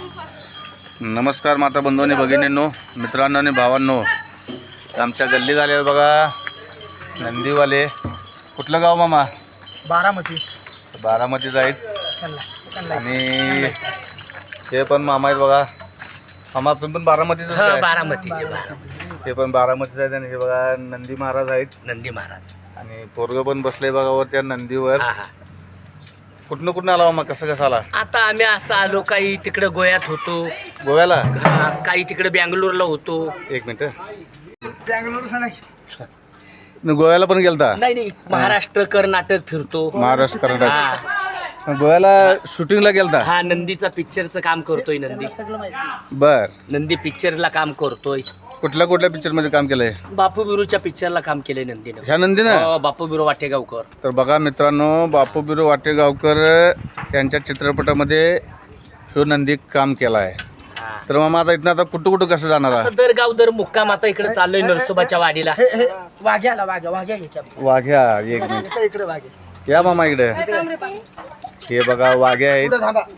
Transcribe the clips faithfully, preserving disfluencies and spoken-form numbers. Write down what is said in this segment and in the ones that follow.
नमस्कार माता बंधूंनी भगिनींनो मित्रांनो आणि भावांनो, आमच्या गल्ली झाले बघा नंदीवाले. कुठलं गाव मामा? बारामती. बारामती जाईल आणि हे पण मामा आहेत बघा. मामा तुम्ही पण बारामतीच? बारामतीचे हे पण बारामतीच आहेत आणि हे बघा नंदी महाराज आहेत. नंदी महाराज आणि पोरग पण बसले बघा वर त्या नंदीवर. कुठनं कुठनं आला मामा? कसं कसं आला? आता आम्ही असं आलो, काही तिकडे गोव्यात होतो, गोव्याला हा, काही तिकडे बँगलोरला होतो. एक मिनिट. बँगलोर गोव्याला पण गेलता? नाही नाही, महाराष्ट्र कर्नाटक फिरतो. महाराष्ट्र कर्नाटक. गोव्याला शूटिंगला गेलता? हा, नंदीचा पिक्चरचं काम करतोय. नंदी बर. नंदी पिक्चरला काम करतोय. कुठल्या कुठल्या पिक्चर मध्ये काम केलंय? बापू बिरूच्या पिक्चरला काम केलंय नंदीनं. ह्या नंदीनं? हो, बापू बिरू वाटेगावकर. तर बघा मित्रांनो, बापू बिरू वाटेगावकर यांच्या चित्रपटामध्ये ह्यो नंदी काम केला आहे. तर मग आता इथनं आता कुठं कुठं कसं जाणार आहे? दर गाव दर मुक्काम आता इकडे चाललोय नरसोबाच्या वाडीला. वाघ्याला वाघ्या वाघ्या वाघ्या. एक मिनिट इकडे वाघे या मामा इकडे. हे बघा वाघ्या आहेत.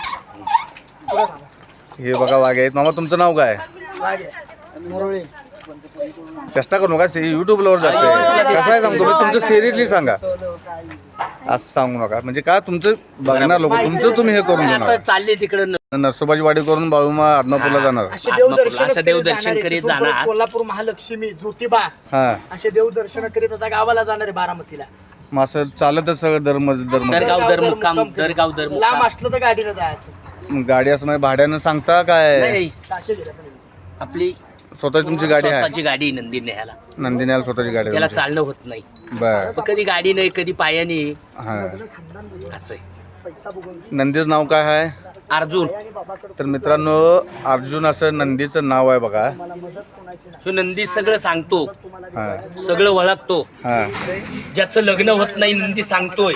हे बघा वाघ्या आहेत. मामा तुमचं नाव काय? मुरळी. चेष्टा करू नका, युट्यूबला वर जाते. कसं आहे सांगतो मी, तुमचं सिरियसली सांगा, असं सांगू नका. म्हणजे का तुमचं बघणार लोक, तुमचं तुम्ही हे करून आता घेणार. चालले तिकडे नरसोबाची वाडी करून बाळूमा आदमापूरला जाणार. असे देवदर्शन असं देवदर्शन करीत जाणार. कोल्हापूर महालक्ष्मी ज्योतिबा हा असे देवदर्शन करीत आता गावाला जाणार आहे बारामतीला. मग असं चालतच सगळं धर्म धर्म दरगाव दर मुक्काम दरगाव दर लांब मुक्काम. असलं तर गाडीनं जायचं. गाडी असं म्हणजे भाड्यानं सांगता काय? नाही, टाके दिले पण. आपली स्वतः तुमची गाडी आहे? स्वतःची गाडी नंदी न्यायला. नंदिन्याला स्वतःची गाडी त्याला आहे? चालणं होत नाही. बर. मग कधी गाडी नाही, कधी पायाने. हा. असं आहे. नंदीचं नाव काय आहे? अर्जुन. तर मित्रांनो, अर्जुन असं नंदीचं नाव आहे बघा. तो नंदी सगळं सांगतो, हा सगळं ओळखतो. हा. ज्याचं लग्न होत नाही नंदी सांगतोय,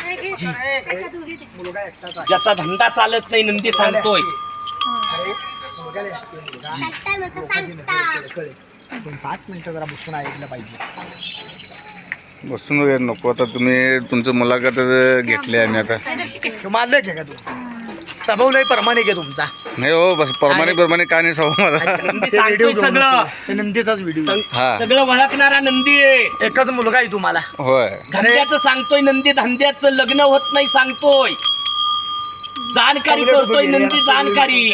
ज्याचा धंदा चालत नाही नंदी सांगतोय. पाच मिनिटं जरा बसून ऐकलं पाहिजे. बसून वगैरे नको. आता तुम्ही तुमचं मुलाखत घेतली आम्ही आता. तुम्हाला घे का तू सबवलंय परमाने घे तुमचा. नाही हो, बस परमाने परमाने काय नाही सवय मला. नंदी सांगतोय सगळं, ते नंदीचाच व्हिडिओ. हा. सगळं ओळखणारा नंदी आहे. एकच मुलगा आहे तुम्हाला. होय. धंद्याचं सांगतोय नंदी, धंद्याचं लग्न होत नाही सांगतोय. जाणकारी करतोय नंदी, जाणकारी.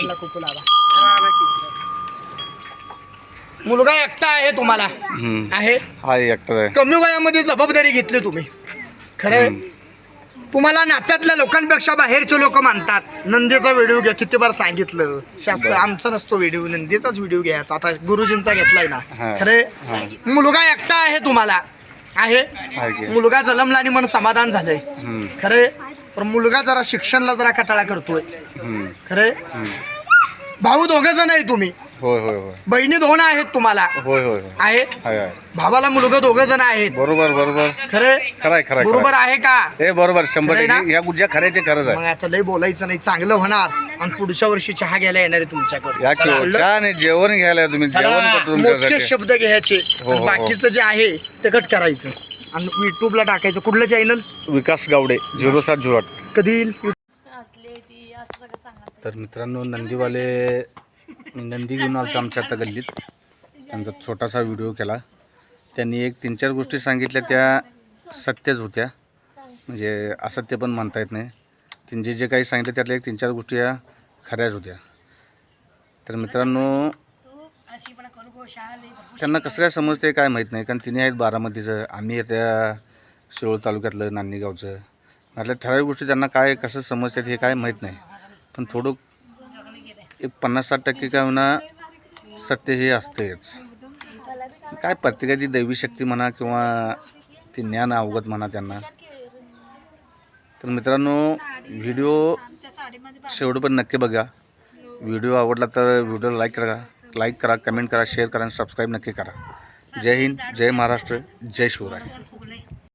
मुलगा एकटा आहे तुम्हाला. हम्म. आहे हा ऍक्टर आहे. कमी वयामध्ये जबाबदारी घेतली तुम्ही. खरं तुम्हाला नात्यातल्या लोकांपेक्षा बाहेरचे लोक मानतात. नंदीचा व्हिडिओ घ्या, किती बार सांगितलं. शास्त्र आमचा नसतो व्हिडिओ, नंदीचाच व्हिडिओ घ्यायचा. आता गुरुजींचा घेतलाय ना. खरे मुलगा एकटा आहे तुम्हाला. आहे मुलगा जन्मला आणि मन समाधान झालंय. खरे पण मुलगा जरा शिक्षणाला जरा कटाळा करतोय. खरे भाऊ दोघं जण आहे तुम्ही. होय होय होय. बहिणी दोन आहेत तुम्हाला. होय होय आहे होय. भावाला मुलगा दोघं जण आहेत. बरोबर बरोबर. खरे खरंय खरंय. बरोबर आहे का? हे बरोबर शंभर खरंय ना? टक्के. या गुज्या खरे ते खरंच मग आहे. आता लय बोलायचं नाही, चांगलं होणार. आणि पुढच्या वर्षी चहा घ्यायला येणार आहे तुमच्याकडे. या किंवा चहा आणि जेवण घ्यायला तुम्ही जेवण करतो मोजके तुमच्यासाठी. शब्द घ्यायचे. हो, हो, हो. बाकीचं जे आहे ते कट करायचं आणि युट्यूबला टाकायचं. कुठलं चॅनल? विकास गावडे झिरो सात झिरो आठ. कधी येईल? तर मित्रांनो, नंदीवाले नंदी घेऊन आलता आमच्या आता गल्लीत. त्यांचा छोटासा व्हिडिओ केला. त्यांनी एक तीन चार गोष्टी सांगितल्या, त्या सत्यच होत्या. म्हणजे असत्य पण म्हणता येत नाही. त्यांनी जे जे काही सांगितलं त्यातल्या एक तीन चार गोष्टी या खऱ्याच होत्या. तर मित्रांनो, त्यांना कसं काय समजते काय माहीत नाही. कारण तिने आहेत बारामतीचं, आम्ही त्या शिरोळ तालुक्यातलं नान्नी गावचं. म्हटलं ठराविक गोष्टी त्यांना काय कसं समजतात हे काय माहीत नाही. पण थोडं एक पन्नास साठ टक्के काय म्हणा सत्य हे असतेच. काय प्रत्येकाची दैवी शक्ती म्हणा किंवा ती ज्ञान अवगत म्हणा त्यांना. तर मित्रांनो, व्हिडिओ शेवट पण नक्की बघा. व्हिडिओ आवडला तर व्हिडिओला लाईक करा, लाईक करा, कमेंट करा, शेअर करा आणि सबस्क्राईब नक्की करा. जय हिंद, जय महाराष्ट्र, जय शिवराय.